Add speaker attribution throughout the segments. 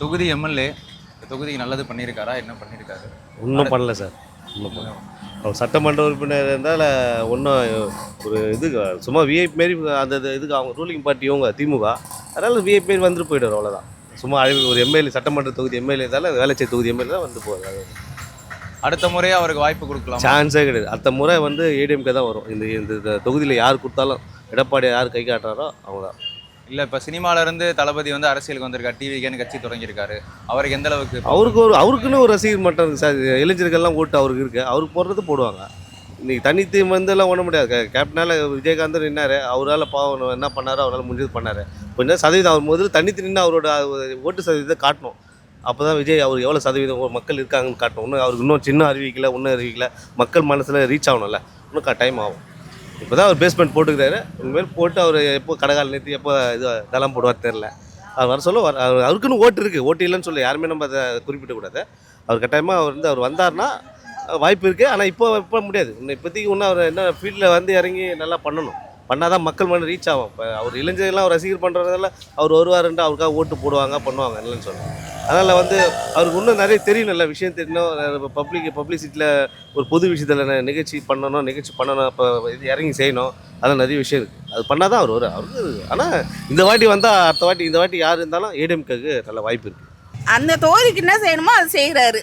Speaker 1: தொகுதி எம்எல்ஏ தொகுதிக்கு நல்லது பண்ணியிருக்காரா? என்ன பண்ணியிருக்காரு?
Speaker 2: ஒன்றும் பண்ணல சார். ஒன்றும் பண்ணல. அவர் சட்டமன்ற உறுப்பினர் இருந்தால் ஒன்றும் ஒரு இது சும்மா விஐபி மாரி அந்த இதுக்கு அவங்க ரூலிங் பார்ட்டி இவங்க திமுக, அதனால் விஐபி மாரி வந்துட்டு போய்டுவார், அவ்வளோதான். சும்மா ஒரு எம்எல்ஏ சட்டமன்ற தொகுதி எம்எல்ஏ இருந்தாலும் வேலைச்சேரி தொகுதி எம்எல்ஏ தான் வந்து போகுது.
Speaker 1: அடுத்த முறையே அவருக்கு வாய்ப்பு கொடுக்கலாம்?
Speaker 2: சான்ஸே கிடையாது. அடுத்த முறை வந்து ஏடிஎம்கே தான் வரும். இந்த தொகுதியில் யார் கொடுத்தாலும் எடப்பாடி யார் கை காட்டுறாரோ அவங்க தான்.
Speaker 1: இல்லை, இப்போ சினிமாவிலேருந்து தளபதி வந்து அரசியலுக்கு வந்திருக்காரு, டிவிக்கேன்னு கட்சி தொடங்கியிருக்காரு. அவருக்கு எந்த அளவுக்கு
Speaker 2: அவருக்குன்னு ஒரு ரசிகர் மட்டம் இருக்குது சார். இளைஞர்கள்லாம் ஓட்டு அவருக்கு இருக்குது, அவருக்கு போடுறது போடுவாங்க. இன்றைக்கி தனித்து வந்துலாம் ஒன்றும் முடியாது. கேப்டனால் விஜயகாந்த் நின்னார், அவரால் பாவம் என்ன பண்ணாரோ அவரால் முடிஞ்சது பண்ணார். கொஞ்சம் சதவீதம் அவர் முதல்ல தனித்து நின்று அவரோட ஓட்டு சதவீதத்தை காட்டணும். அப்போ தான் விஜய் அவர் எவ்வளோ சதவீதம் மக்கள் இருக்காங்கன்னு காட்டணும். இன்னும் அவருக்கு இன்னும் சின்ன அறிவிக்கல, ஒன்றும் அறிவிக்கல, மக்கள் மனசில் ரீச் ஆகணும்ல, இன்னும் டைம் ஆகும். இப்போ தான் அவர் பேஸ்மெண்ட் போட்டுக்கிறாரு. இனிமேல் போட்டு அவர் எப்போ கடைக்கால் நிறுத்தி எப்போ இது தளம் போடுவார் தெரில. அவர் வர சொல்ல அவருக்குன்னு ஓட்டு இருக்குது, ஓட்டு இல்லைன்னு சொல்லி யாருமே நம்ம அதை குறிப்பிடக்கூடாது. அவர் கட்டாயமாக அவர் வந்தார்னா வாய்ப்பு இருக்குது. ஆனால் இப்போ முடியாது. இப்போதைக்கு இன்னும் அவர் என்ன ஃபீல்டில் வந்து இறங்கி நல்லா பண்ணால் தான் மக்கள் மன ரீச் ஆகும். இப்போ அவர் இளைஞர்கள்லாம் அவர் ரசிகர் பண்ணுறதால அவர் வருவாருன்ட்டு அவருக்காக ஓட்டு போடுவாங்க, பண்ணுவாங்க, இல்லைன்னு சொல்லுவாங்க. அதனால் அவருக்கு இன்னும் நிறைய தெரியும், நல்ல விஷயம் தெரியணும். பப்ளிசிட்டியில் ஒரு பொது விஷயத்தில் நிகழ்ச்சி பண்ணணும், அப்போ இது இறங்கி செய்யணும். அதெல்லாம் நிறைய விஷயம் இருக்குது. அது பண்ணால் தான் அவர் வரும். அவருக்கு ஆனால் இந்த வாட்டி வந்தால் இந்த வாட்டி யார் இருந்தாலும் ஏடிஎம்கேக்கு நல்ல வாய்ப்பு இருக்குது.
Speaker 3: அந்த தொகுதிக்கு என்ன செய்யணுமோ அது செய்கிறாரு.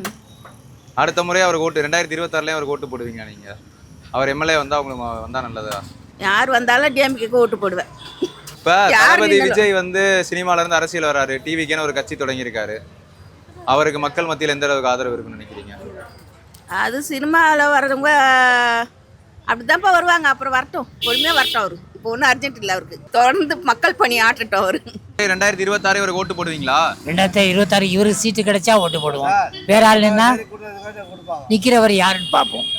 Speaker 1: அடுத்த முறை அவருக்கு ஓட்டு 2026 அவருக்கு ஓட்டு போடுவீங்க நீங்கள்? அவர் எம்எல்ஏ வந்தால் அவங்களுக்கு வந்தால் நல்லதா?
Speaker 3: யார் வந்தாலும் டிஎம்கேக்கு ஓட்டு போடுவேன்.
Speaker 1: இப்போ தளபதி விஜய் வந்து சினிமாவிலேருந்து அரசியல் வராரு, டிவிக்கேன்னு ஒரு கட்சி தொடங்கியிருக்காரு. அவருக்கு மக்கள் மத்தியில் எந்த அளவுக்கு ஆதரவு இருக்குன்னு நினைக்கிறீங்க?
Speaker 3: அது சினிமாவில் வர்றவங்க அப்படிதான்ப்பா வருவாங்க. அப்புறம் வரட்டும், பொறுமையாக வரட்டும். அவரு இப்போ ஒன்றும் அர்ஜென்ட் இல்லை. அவருக்கு தொடர்ந்து மக்கள் பணி ஆட்டட்டும். அவரு
Speaker 1: 2026 இவருக்கு ஓட்டு போடுவீங்களா?
Speaker 4: 2026 இவருக்கு சீட்டு கிடைச்சா ஓட்டு போடுவோம். வேற ஆள் நின்னா நிற்கிறவர் யாருன்னு பார்ப்போம்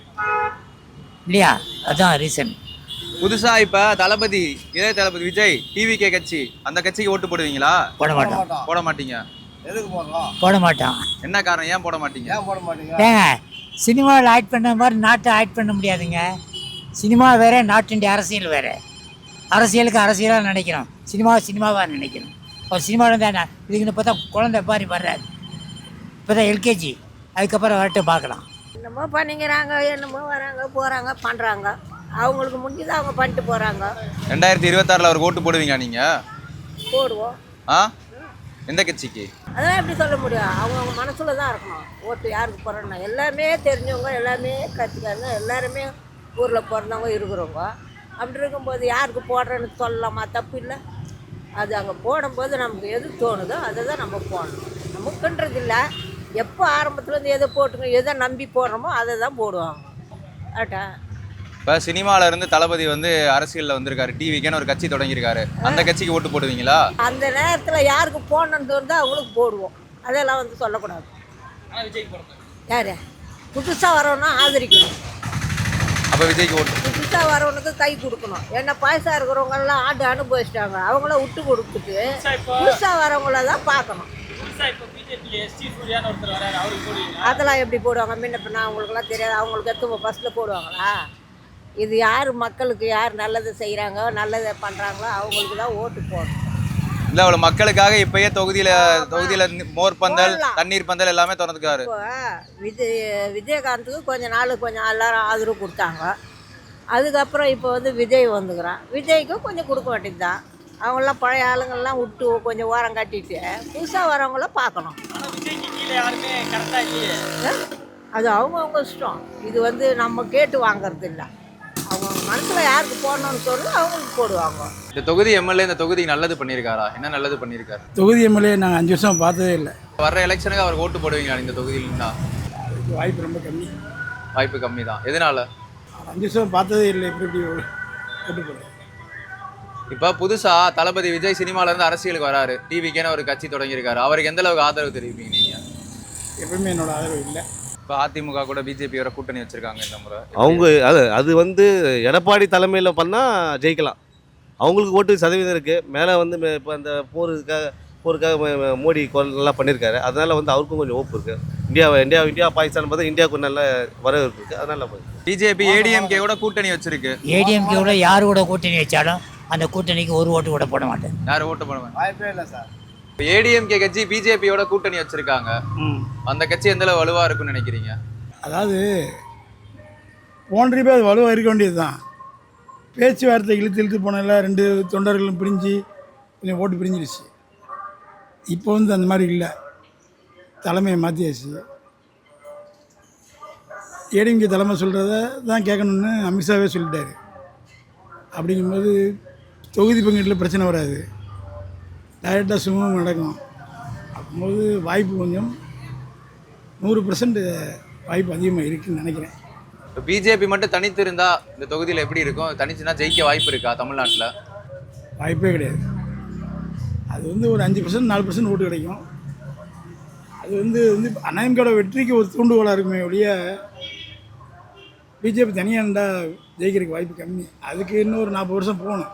Speaker 4: இல்லையா? அதுதான் ரீசன்.
Speaker 1: புதுசா இப்ப இளைய தளபதி விஜய் டிவிகே கட்சி, அந்த கட்சிக்கு ஓட்டு போடுவீங்களா?
Speaker 4: போட மாட்டோம்.
Speaker 1: போட மாட்டீங்க?
Speaker 5: எதுக்கு போடுறோம்?
Speaker 4: போட மாட்டோம்.
Speaker 1: என்ன காரணம், ஏன் போட மாட்டீங்க?
Speaker 4: ஏங்க, சினிமாவில் ஆக்ட் பண்ண மாதிரி நாட்டை ஆக்ட் பண்ண முடியாதுங்க. சினிமா வேற, நாட்டுடைய அரசியல் வேற. அரசியலுக்கு அரசியலாக நினைக்கிறோம், சினிமாவாக நினைக்கிறோம். இப்போ சினிமாவில் தான் இதுக்குன்னு பார்த்தா குழந்தை பாரி வர்றாரு, இப்போ தான் எல்கேஜி, அதுக்கப்புறம் வரட்டு பார்க்கலாம்.
Speaker 6: என்னமோ பண்ணிக்கிறாங்க, என்னமோ வராங்க போகிறாங்க பண்ணுறாங்க. அவங்களுக்கு முடிஞ்சது அவங்க பண்ணிட்டு போகிறாங்க.
Speaker 1: 2026 அவருக்கு ஓட்டு போடுவீங்க நீங்க?
Speaker 6: போடுவோம்.
Speaker 1: எந்த கட்சிக்கு?
Speaker 6: அதெல்லாம் எப்படி சொல்ல முடியும்? அவங்க மனசுல தான் இருக்கணும். ஓட்டு யாருக்கு போடுறோன்னா எல்லாமே தெரிஞ்சவங்க, எல்லாமே கற்றுக்காங்க, எல்லாருமே ஊரில் பிறந்தவங்க இருக்கிறவங்க. அப்படி இருக்கும்போது யாருக்கு போடுறேன்னு சொல்லலாமா? தப்பு இல்லை. அது அங்கே போடும்போது நமக்கு எது தோணுதோ அதை தான் நம்ம போடணும். நமக்குன்றது இல்லை. எப்போ ஆரம்பத்துலேருந்து எதை போட்டுங்க, எதை நம்பி போடுறோமோ அதை தான் போடுவாங்க. ஆட்டா
Speaker 1: இப்போ சினிமாவில இருந்து தளபதி வந்து அரசியலில் வந்திருக்காரு, டிவிக்கேன்னு ஒரு கட்சி தொடங்கியிருக்காரு, அந்த கட்சிக்கு ஓட்டு போடுவீங்களா?
Speaker 6: அந்த நேரத்தில் யாருக்கு போடணுன்னு தோணுதோ அவங்களுக்கு போடுவோம். அதெல்லாம் வந்து சொல்லக்கூடாது. யார் புதுசாக வரவனா ஆதரிக்கணும்.
Speaker 1: அப்போ விஜய்க்கு ஓட்டு?
Speaker 6: புதுசாக வரவனுக்கு கை கொடுக்கணும். ஏன்னா பாயசா இருக்கிறவங்கெல்லாம் ஆண்டு அனுபவிச்சிட்டாங்க. அவங்கள விட்டு கொடுத்துட்டு புதுசாக வரவங்கள தான் பார்க்கணும். அதெல்லாம் எப்படி போடுவாங்க? முன்ன பின்ன அவங்களுக்குலாம் தெரியாது. அவங்களுக்கு எடுத்து ஃபஸ்ட்டில் போடுவாங்களா? இது யார் மக்களுக்கு யார் நல்லது செய்கிறாங்க, நல்லதை பண்ணுறாங்களோ அவங்களுக்கு தான் ஓட்டு போடணும்.
Speaker 1: இல்லை, அவ்வளோ மக்களுக்காக இப்போயே தொகுதியில் மோர் பந்தல், தண்ணீர் பந்தல் எல்லாமே திறந்துக்காரு.
Speaker 6: இப்போ விஜயகாந்துக்கு கொஞ்சம் எல்லாரும் ஆதரவு கொடுத்தாங்க. அதுக்கப்புறம் இப்போ வந்து விஜய் வந்துக்கிறான். விஜய்க்கும் கொஞ்சம் கொடுக்க வேண்டியது தான். அவங்களாம் பழைய ஆளுங்கள்லாம் விட்டு கொஞ்சம் ஓரம் கட்டிட்டு புதுசாக வரவங்கள பார்க்கணும். அது அவங்கவுங்க இஷ்டம். இது வந்து நம்ம கேட்டு வாங்கறது இல்லை. அவங்க மனசில் யாருக்கு போடணும்னு சொல்லி அவங்களுக்கு போடுவாங்க.
Speaker 1: இந்த தொகுதி எம்எல்ஏ இந்த தொகுதிக்கு நல்லது பண்ணியிருக்காரா? என்ன நல்லது பண்ணியிருக்காரு?
Speaker 5: தொகுதி எம்எல்ஏ நாங்கள் 5 வருஷம் பார்த்ததே இல்லை.
Speaker 1: வர்ற எலெக்ஷனுக்கு அவருக்கு ஓட்டு போடுவீங்களா இந்த தொகுதியில்னா?
Speaker 5: வாய்ப்பு ரொம்ப கம்மி.
Speaker 1: வாய்ப்பு கம்மி தான். எதனால?
Speaker 5: 5 வருஷம் பார்த்ததே இல்லை. எப்படி ஓட்டு போடுறேன்?
Speaker 1: இப்போ புதுசாக தளபதி விஜய் சினிமாவிலேருந்து அரசியலுக்கு வராரு, டிவிக்கேன்னு ஒரு கட்சி தொடங்கியிருக்காரு, அவருக்கு எந்த அளவுக்கு ஆதரவு தெரிவிப்பீங்க நீங்கள்?
Speaker 5: எப்பவுமே என்னோட ஆதரவு இல்லை.
Speaker 1: இப்போ அதிமுக கூட பிஜேபி வர கூட்டணி வச்சுருக்காங்க இந்த முறை.
Speaker 2: அவங்க அது வந்து எடப்பாடி தலைமையில் பண்ணால் ஜெயிக்கலாம். அவங்களுக்கு ஓட்டு சதவீதம் இருக்குது. மேலே வந்து இப்போ அந்த போருக்காக மோடி நல்லா பண்ணியிருக்காரு. அதனால் வந்து அவருக்கும் கொஞ்சம் ஓப்பு இருக்குது. இந்தியா பாகிஸ்தான் பார்த்தா இந்தியாவுக்கு நல்ல வரவேற்பு இருக்குது. அதனால்
Speaker 1: பிஜேபி ஏடிஎம்கே கூட கூட்டணி வச்சிருக்கு.
Speaker 4: ஏடிஎம்கே யார் கூட கூட்டணி வச்சாலும் அந்த கூட்டணிக்கு ஒரு ஓட்டு கூட போட மாட்டேன்.
Speaker 1: யாரும் ஓட்டு போட மாட்டேன்.
Speaker 5: வாய்ப்பே இல்லை சார்.
Speaker 1: இப்போ ஏடிஎம்கே கட்சி பிஜேபியோட கூட்டணி வச்சிருக்காங்க. அந்த கட்சி எந்த அளவு வலுவா இருக்குன்னு நினைக்கிறீங்க?
Speaker 5: அதாவது போன ட்ரிப்பே அது வலுவாக இருக்க வேண்டியது தான். பேச்சுவார்த்தை இழுத்து போனதில் 2 தொண்டர்களும் பிரிஞ்சு கொஞ்சம் ஓட்டு பிரிஞ்சிருச்சு. இப்போ வந்து அந்த மாதிரி இல்லை, தலைமையை மாற்றியாச்சு. ஏடிஎம்கே தலைமை சொல்கிறத தான் கேட்கணுன்னு அமித்ஷாவே சொல்லிட்டாரு. அப்படிங்கும்போது தொகுதி பங்கீட்டில் பிரச்சனை வராது, டைரெக்டாக சுமூகம் நடக்கும். அப்படிங்கும்போது வாய்ப்பு கொஞ்சம் 100% வாய்ப்பு அதிகமாக இருக்குதுன்னு நினைக்கிறேன்.
Speaker 1: இப்போ பிஜேபி மட்டும் தனித்து இருந்தா இந்த தொகுதியில் எப்படி இருக்கும்? தனிச்சுன்னா ஜெயிக்க வாய்ப்பு இருக்கா தமிழ்நாட்டில்?
Speaker 5: வாய்ப்பே கிடையாது. அது வந்து ஒரு 5% 4% ஓட்டு கிடைக்கும். அது வந்து அண்ணாதிமுக வெற்றிக்கு ஒரு தூண்டுகோலாக இருக்குமே ஒழிய பிஜேபி தனியாக இருந்தால் ஜெயிக்கிறதுக்கு வாய்ப்பு கம்மி. அதுக்கு இன்னும் ஒரு 40 வருஷம் போகணும்.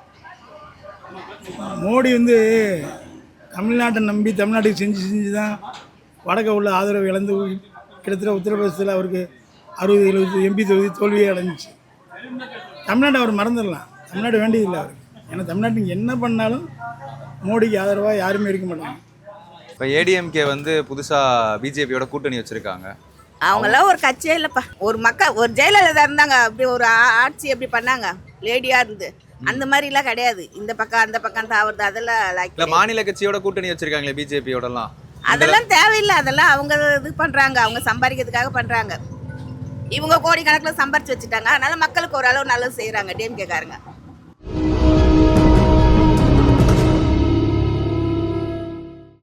Speaker 5: மோடி வந்து தமிழ்நாட்டை நம்பி தமிழ்நாட்டுக்கு செஞ்சு தான் வடக்க உள்ள ஆதரவு இழந்து கிட்டத்தட்ட உத்தரப்பிரதேசத்தில் அவருக்கு 60-70 எம்பி தொகுதி தோல்வியே அடைஞ்சிச்சு. தமிழ்நாட்டை அவர் மறந்துடலாம், தமிழ்நாடு வேண்டியதில்லை அவருக்கு. ஏன்னா தமிழ்நாட்டுக்கு என்ன பண்ணாலும் மோடிக்கு ஆதரவாக யாருமே இருக்க மாட்டாங்க.
Speaker 1: இப்போ ஏடிஎம்கே வந்து புதுசா பிஜேபியோட கூட்டணி வச்சிருக்காங்க.
Speaker 3: அவங்களாம் ஒரு கட்சியே இல்லைப்பா. ஒரு ஜெயலலிதா இருந்தாங்க, அப்படி ஒரு ஆட்சி எப்படி பண்ணாங்க லேடியாக இருந்து. அந்த மாதிரிலாம் கிடையாது. இந்த பக்கம் அந்த பக்கம் தாவறது அதெல்லாம்
Speaker 1: இல்ல மாநில கட்சியோட கூட்டணி வச்சிருக்காங்களே பிஜேபியோடலாம்,
Speaker 3: அதெல்லாம் தேவையில்லை. அதெல்லாம் அவங்க இது பண்ணுறாங்க, அவங்க சம்பாதிக்கிறதுக்காக பண்ணுறாங்க. இவங்க கோடிக்கணக்கில் சம்பாரிச்சு வச்சுட்டாங்க. அதனால மக்களுக்கு ஓரளவு நல்லது செய்கிறாங்க டிஎம்கேக்காரங்க.